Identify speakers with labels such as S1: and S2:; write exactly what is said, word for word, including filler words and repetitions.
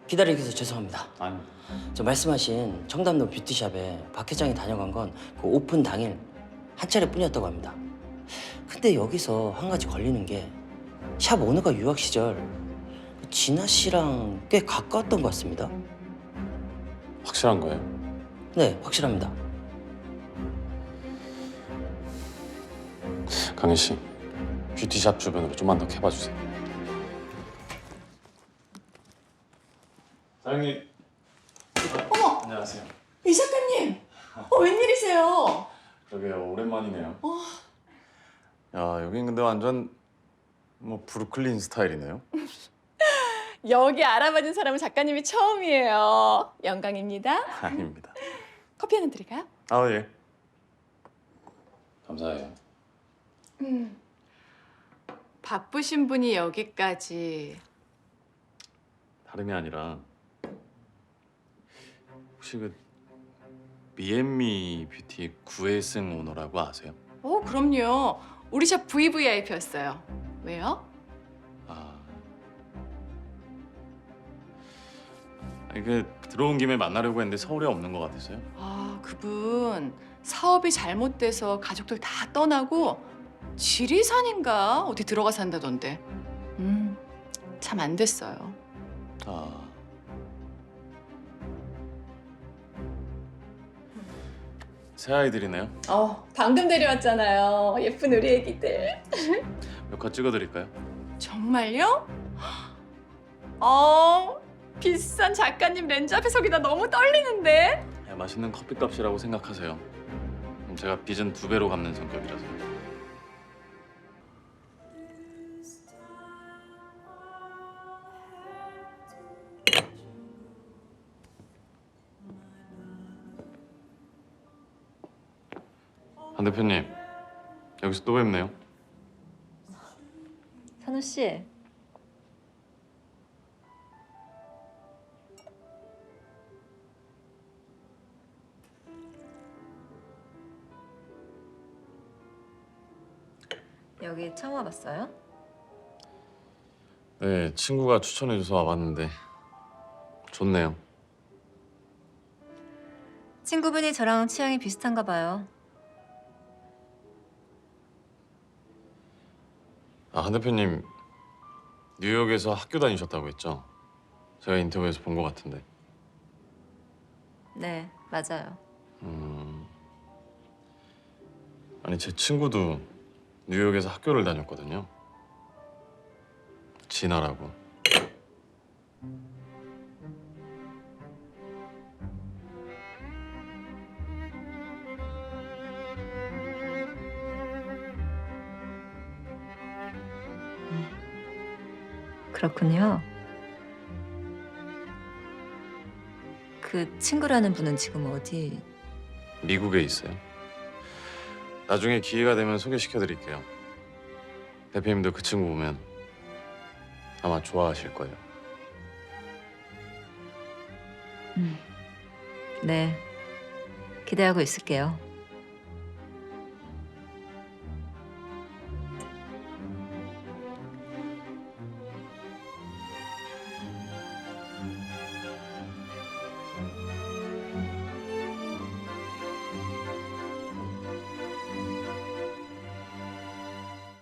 S1: 기다리게 해서 죄송합니다.
S2: 아니.
S1: 저 말씀하신 청담동 뷰티샵에 박 회장이 다녀간 건 그 오픈 당일 한 차례뿐이었다고 합니다. 근데 여기서 한 가지 걸리는 게 샵 오너가 유학 시절 그 진아 씨랑 꽤 가까웠던 것 같습니다.
S2: 확실한 거예요?
S1: 네, 확실합니다.
S2: 강희 씨, 뷰티샵 주변으로 좀만 더 캐봐 주세요. 사장님.
S3: 어머!
S2: 안녕하세요.
S3: 이 작가님! 어, 웬일이세요?
S2: 그러게요, 오랜만이네요. 어. 야, 여긴 근데 완전 뭐 브루클린 스타일이네요.
S3: 여기 알아봐준 사람은 작가님이 처음이에요. 영광입니다.
S2: 아닙니다.
S3: 커피 한잔 드릴까요?
S2: 아, 예. 감사해요.
S3: 음. 바쁘신 분이 여기까지.
S2: 다름이 아니라 혹시 그 미앤미 뷰티 구혜승 오너라고 아세요?
S3: 어, 그럼요. 우리 샵 브이브이아이피였어요. 왜요?
S2: 아, 아니 그 들어온 김에 만나려고 했는데 서울에 없는 것 같아서요.
S3: 아, 그분 사업이 잘못돼서 가족들 다 떠나고 지리산인가 어디 들어가 산다던데. 음, 참 안 됐어요.
S2: 아, 새 아이들이네요.
S3: 어, 방금 데려왔잖아요. 예쁜 우리 애기들.
S2: 몇 컷 찍어드릴까요?
S3: 정말요? 어, 비싼 작가님 렌즈 앞에 서기다 너무 떨리는데?
S2: 야, 맛있는 커피값이라고 생각하세요. 음, 제가 빚은 두 배로 갚는 성격이라서요. 한 대표님, 여기서 또 뵙네요.
S4: 산호 씨. 여기 처음 와봤어요?
S2: 네, 친구가 추천해줘서 와봤는데 좋네요.
S4: 친구분이 저랑 취향이 비슷한가 봐요.
S2: 아, 한 대표님 뉴욕에서 학교 다니셨다고 했죠? 제가 인터뷰에서 본 것 같은데.
S4: 네, 맞아요.
S2: 음... 아니, 제 친구도 뉴욕에서 학교를 다녔거든요. 진아라고.
S4: 그렇군요. 그 친구라는 분은 지금 어디?
S2: 미국에 있어요. 나중에 기회가 되면 소개시켜드릴게요. 대표님도 그 친구 보면 아마 좋아하실 거예요.
S4: 음. 네, 기대하고 있을게요.